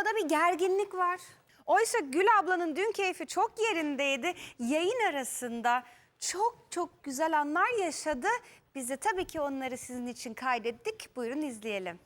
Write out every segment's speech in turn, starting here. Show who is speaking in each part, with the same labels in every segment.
Speaker 1: ortada bir gerginlik var. Oysa Gül ablanın dün keyfi çok yerindeydi. Yayın arasında çok güzel anlar yaşadı. Biz de tabii ki onları sizin için kaydettik. Buyurun izleyelim.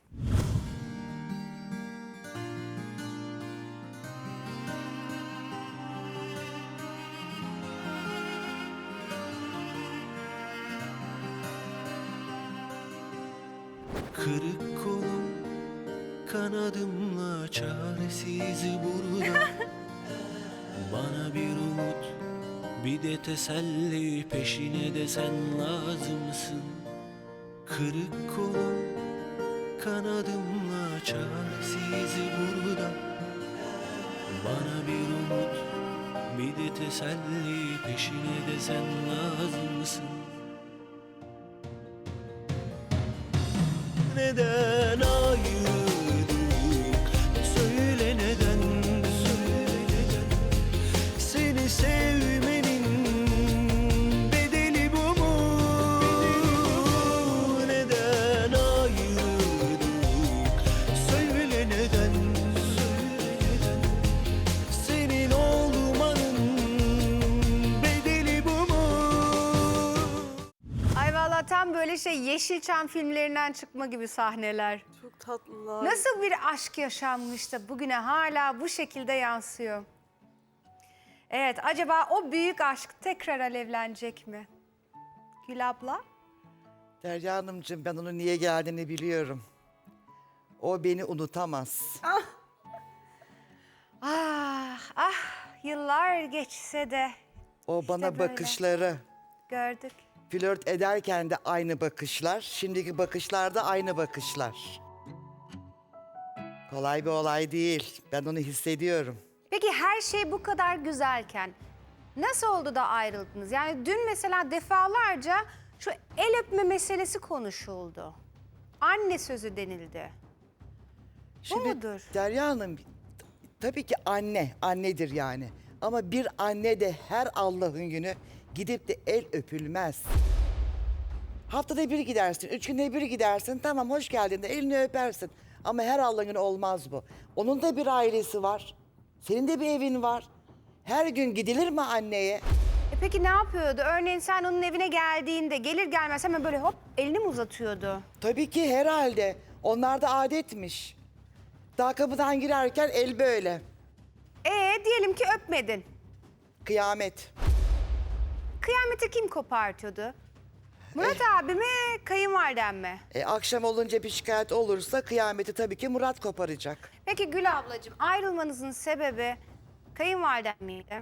Speaker 2: Kırık kolum kanadımla çaresiz burada. Bana bir umut, bir de teselli, peşine de sen lazımsın. Kırık kolum kanadımla çaresiz burada. Bana bir umut, bir de teselli, peşine de sen lazımsın. Neden ayrıldık? Söyle neden? Seni sevmenin bedeli bu mu? Neden ayrıldık? Söyle neden? Senin olmanın bedeli bu mu?
Speaker 1: Ay vallahi tam böyle Yeşilçam filmlerinden çıkma gibi sahneler.
Speaker 3: Çok tatlılar.
Speaker 1: Nasıl bir aşk yaşanmış da bugüne hala bu şekilde yansıyor? Evet, acaba o büyük aşk tekrar alevlenecek mi? Gül abla?
Speaker 4: Derya Hanımcığım, ben onun niye geldiğini biliyorum. O beni unutamaz.
Speaker 1: Ah, yıllar geçse de
Speaker 4: O
Speaker 1: işte
Speaker 4: bana
Speaker 1: böyle.
Speaker 4: bakışları,
Speaker 1: Gördük.
Speaker 4: flört ederken de aynı bakışlar, şimdiki bakışlarda aynı bakışlar. Kolay bir olay değil. Ben onu hissediyorum.
Speaker 1: Peki her şey bu kadar güzelken nasıl oldu da ayrıldınız? Yani dün mesela defalarca şu el öpme meselesi konuşuldu. Anne sözü denildi. Bu mudur?
Speaker 4: Derya Hanım, tabii ki annedir yani. Ama bir anne de her Allah'ın günü gidip de el öpülmez. Haftada bir gidersin, 3 günde bir gidersin, tamam hoş geldin de elini öpersin. Ama her Allah'ın günü olmaz bu. Onun da bir ailesi var. Senin de bir evin var. Her gün gidilir mi anneye?
Speaker 1: Peki ne yapıyordu? Örneğin sen onun evine geldiğinde gelir gelmez hemen böyle hop elini mi uzatıyordu?
Speaker 4: Tabii ki herhalde. Onlar da adetmiş. Daha kapıdan girerken el böyle.
Speaker 1: Diyelim ki öpmedin.
Speaker 4: Kıyamet.
Speaker 1: Kıyameti kim kopartıyordu? Murat abi mi, kayınvaliden mi?
Speaker 4: Akşam olunca bir şikayet olursa kıyameti tabii ki Murat koparacak.
Speaker 1: Peki Gül ablacığım ayrılmanızın sebebi kayınvaliden miydi?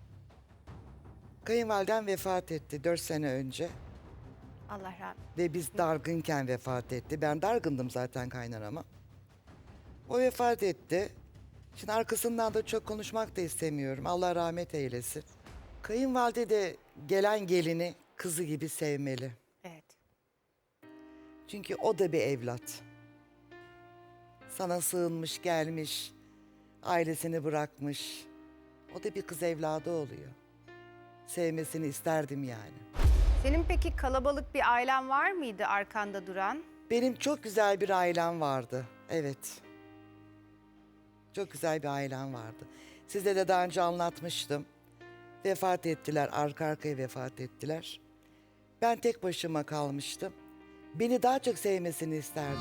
Speaker 4: Kayınvaliden vefat etti 4 sene önce.
Speaker 1: Allah rahmet.
Speaker 4: Ve biz dargınken vefat etti. Ben dargındım zaten kaynanama. O vefat etti. Şimdi arkasından da çok konuşmak da istemiyorum. Allah rahmet eylesin. Kayınvalide de gelen gelini kızı gibi sevmeli.
Speaker 1: Evet.
Speaker 4: Çünkü o da bir evlat. Sana sığınmış gelmiş, ailesini bırakmış. O da bir kız evladı oluyor. Sevmesini isterdim yani.
Speaker 1: Senin peki kalabalık bir ailen var mıydı arkanda duran?
Speaker 4: Benim çok güzel bir ailem vardı. Evet. Çok güzel bir ailem vardı. Size de daha önce anlatmıştım. Vefat ettiler, arka arkaya vefat ettiler. Ben tek başıma kalmıştım. Beni daha çok sevmesini isterdim.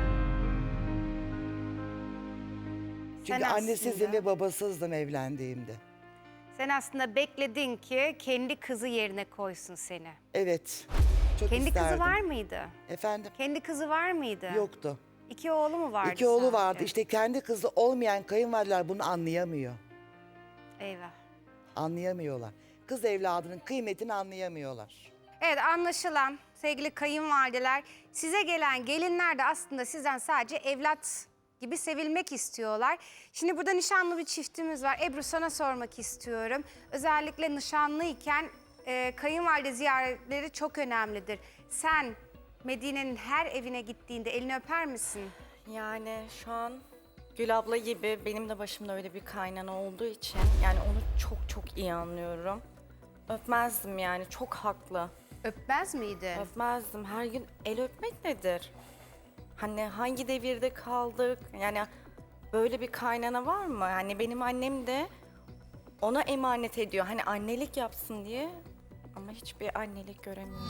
Speaker 4: Çünkü
Speaker 1: Sen
Speaker 4: annesizdim
Speaker 1: aslında-
Speaker 4: ve babasızdım evlendiğimde.
Speaker 1: Sen aslında bekledin ki kendi kızı yerine koysun seni.
Speaker 4: Evet, çok
Speaker 1: Kendi
Speaker 4: isterdim.
Speaker 1: kızı var mıydı?
Speaker 4: Efendim?
Speaker 1: Kendi kızı var mıydı?
Speaker 4: Yoktu.
Speaker 1: 2 oğlu mu vardı?
Speaker 4: İki oğlu
Speaker 1: sadece?
Speaker 4: vardı. İşte kendi kızı olmayan kayınvalideler bunu anlayamıyor.
Speaker 1: Eyvah.
Speaker 4: Anlayamıyorlar. Kız evladının kıymetini anlayamıyorlar.
Speaker 1: Evet, anlaşılan sevgili kayınvalideler, size gelen gelinler de aslında sizden sadece evlat gibi sevilmek istiyorlar. Şimdi burada nişanlı bir çiftimiz var. Ebru, sana sormak istiyorum. Özellikle nişanlıyken kayınvalide ziyaretleri çok önemlidir. Sen Medine'nin her evine gittiğinde elini öper misin?
Speaker 3: Yani şu an Gül abla gibi benim de başımda öyle bir kaynana olduğu için yani onu çok iyi anlıyorum. Öpmezdim yani, çok haklı.
Speaker 1: Öpmez miydi?
Speaker 3: Öpmezdim. Her gün el öpmek nedir? Hani hangi devirde kaldık? Yani böyle bir kaynana var mı? Hani benim annem de ona emanet ediyor. Hani annelik yapsın diye ama hiçbir annelik göremiyorum.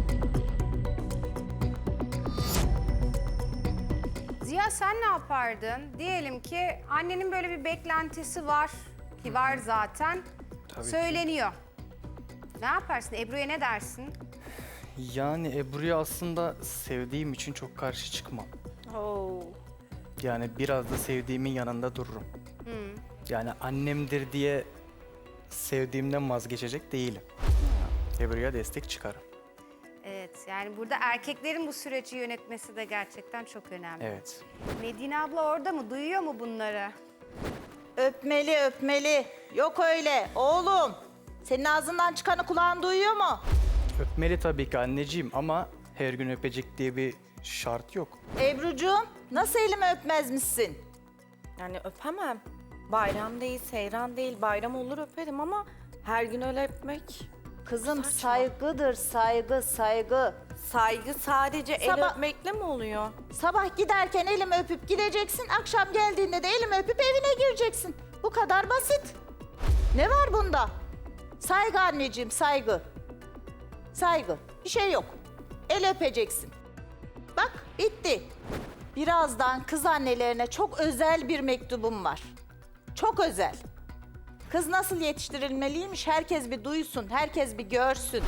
Speaker 1: Ziya sen ne yapardın? Diyelim ki annenin böyle bir beklentisi var ki var zaten.
Speaker 5: Tabii ki.
Speaker 1: Söyleniyor. Ne yaparsın? Ebru'ya ne dersin?
Speaker 5: Yani Ebru'yu aslında sevdiğim için çok karşı çıkmam. Yani biraz da sevdiğimin yanında dururum. Yani annemdir diye sevdiğimden vazgeçecek değilim. Ebru'ya destek çıkarım.
Speaker 1: Evet, yani burada erkeklerin bu süreci yönetmesi de gerçekten çok önemli.
Speaker 5: Evet.
Speaker 1: Medine abla orada mı? Duyuyor mu bunları?
Speaker 6: Öpmeli öpmeli. Yok öyle oğlum. Senin ağzından çıkanı kulağın duyuyor mu?
Speaker 5: Öpmeli tabii ki anneciğim ama her gün öpecek diye bir şart yok.
Speaker 6: Ebrucuğum nasıl elimi öpmezmişsin?
Speaker 3: Yani öpemem. Bayram değil, seyran değil. Bayram olur öperim ama her gün öyle öpmek.
Speaker 6: Kızım
Speaker 3: Saçma.
Speaker 6: saygıdır saygı saygı.
Speaker 3: Saygı sadece el
Speaker 6: Sabah-
Speaker 3: öpmekle mi oluyor?
Speaker 6: Sabah giderken elimi öpüp gideceksin. Akşam geldiğinde de elimi öpüp evine gireceksin. Bu kadar basit. Ne var bunda? Saygı anneciğim saygı. Saygı. Bir şey yok. El öpeceksin. Bak bitti. Birazdan kız annelerine çok özel bir mektubum var. Çok özel. Kız nasıl yetiştirilmeliymiş herkes bir duysun, herkes bir görsün.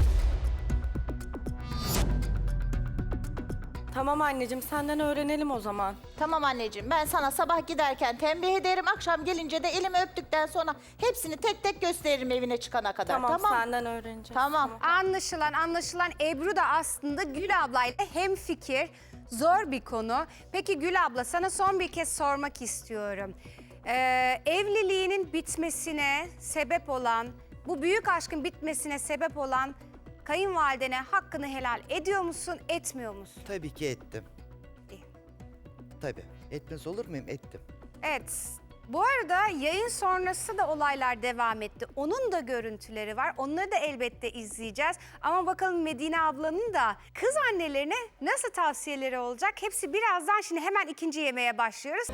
Speaker 3: Tamam anneciğim senden öğrenelim o zaman.
Speaker 6: Tamam anneciğim ben sana sabah giderken tembih ederim. Akşam gelince de elimi öptükten sonra hepsini tek tek gösteririm evine çıkana kadar.
Speaker 3: Tamam, senden öğreneceğiz.
Speaker 6: Tamam.
Speaker 1: Anlaşılan Ebru da aslında Gül ablayla hemfikir. Zor bir konu. Peki Gül abla sana son bir kez sormak istiyorum. Evliliğinin bitmesine sebep olan, bu büyük aşkın bitmesine sebep olan kayınvalidene hakkını helal ediyor musun, etmiyor musun?
Speaker 4: Tabii ki ettim.
Speaker 1: İyi.
Speaker 4: Tabii. Etmez olur muyum? Ettim.
Speaker 1: Evet. Bu arada yayın sonrası da olaylar devam etti. Onun da görüntüleri var. Onları da elbette izleyeceğiz. Ama bakalım Medine ablanın da kız annelerine nasıl tavsiyeleri olacak? Hepsi birazdan, şimdi hemen ikinci yemeğe başlıyoruz.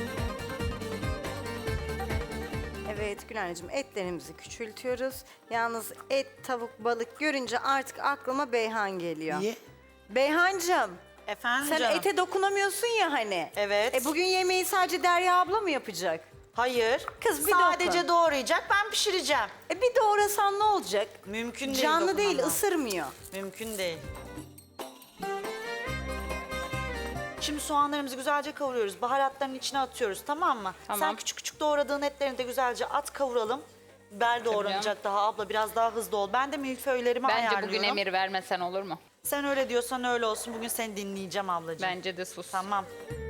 Speaker 7: Evet Gülen'cim etlerimizi küçültüyoruz. Yalnız et, tavuk, balık görünce artık aklıma Beyhan geliyor.
Speaker 4: Niye?
Speaker 7: Beyhancığım
Speaker 8: Efendim
Speaker 7: sen
Speaker 8: canım?
Speaker 7: ete dokunamıyorsun ya hani.
Speaker 8: Evet.
Speaker 7: Bugün yemeği sadece Derya abla mı yapacak?
Speaker 8: Hayır.
Speaker 7: Kız bir
Speaker 8: Sadece
Speaker 7: dokun.
Speaker 8: doğrayacak, ben pişireceğim.
Speaker 7: Bir doğrasan ne olacak?
Speaker 8: Mümkün değil.
Speaker 7: Canlı değil,
Speaker 8: dokunamam.
Speaker 7: ısırmıyor.
Speaker 8: Mümkün değil. Şimdi soğanlarımızı güzelce kavuruyoruz. Baharatların içine atıyoruz, tamam mı? Sen küçük küçük doğradığın etlerini de güzelce at, kavuralım. Biber doğranacak daha abla, biraz daha hızlı ol. Ben de milföylerimi
Speaker 9: Bence
Speaker 8: ayarlıyorum.
Speaker 9: bugün emir vermesen olur mu?
Speaker 8: Sen öyle diyorsan öyle olsun. Bugün seni dinleyeceğim ablacığım.
Speaker 9: Bence de sus.
Speaker 8: Tamam.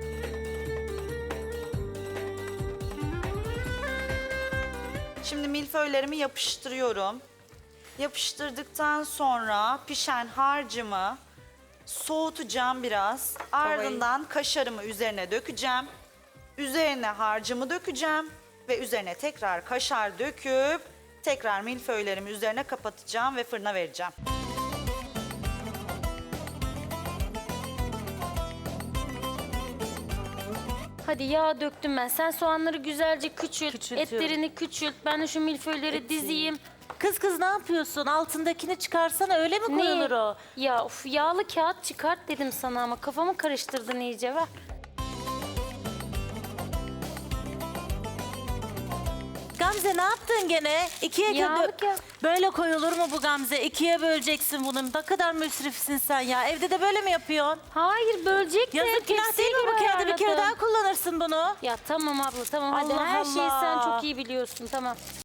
Speaker 8: Şimdi milföylerimi yapıştırıyorum. Yapıştırdıktan sonra pişen harcımı soğutacağım biraz. Ardından kaşarımı üzerine dökeceğim. Üzerine harcımı dökeceğim ve üzerine tekrar kaşar döküp tekrar milföylerimi üzerine kapatacağım ve fırına vereceğim.
Speaker 10: Hadi yağ döktüm ben. Sen soğanları güzelce küçült, etlerini küçült. Ben de şu milföyleri dizeyim.
Speaker 6: Kız ne yapıyorsun? Altındakini çıkarsana öyle mi koyulur o?
Speaker 10: Ya of, yağlı kağıt çıkart dedim sana ama kafamı karıştırdın iyice, ver.
Speaker 6: Gamze ne yaptın gene? İkiye
Speaker 10: Yağlı kağıt.
Speaker 6: Böyle koyulur mu bu Gamze? İkiye böleceksin bunu. Ne kadar müsrifsin sen ya. Evde de böyle mi yapıyorsun?
Speaker 10: Hayır, bölecek de.
Speaker 6: Yazık günah
Speaker 10: tepsiye
Speaker 6: değil mi bu
Speaker 10: göre
Speaker 6: kağıdı? Bir kere
Speaker 10: ayarladım.
Speaker 6: daha kullanırsın bunu.
Speaker 10: Ya tamam abla, tamam.
Speaker 6: Hadi
Speaker 10: Allah
Speaker 6: her
Speaker 10: Allah.
Speaker 6: şeyi
Speaker 10: Sen çok iyi biliyorsun, tamam.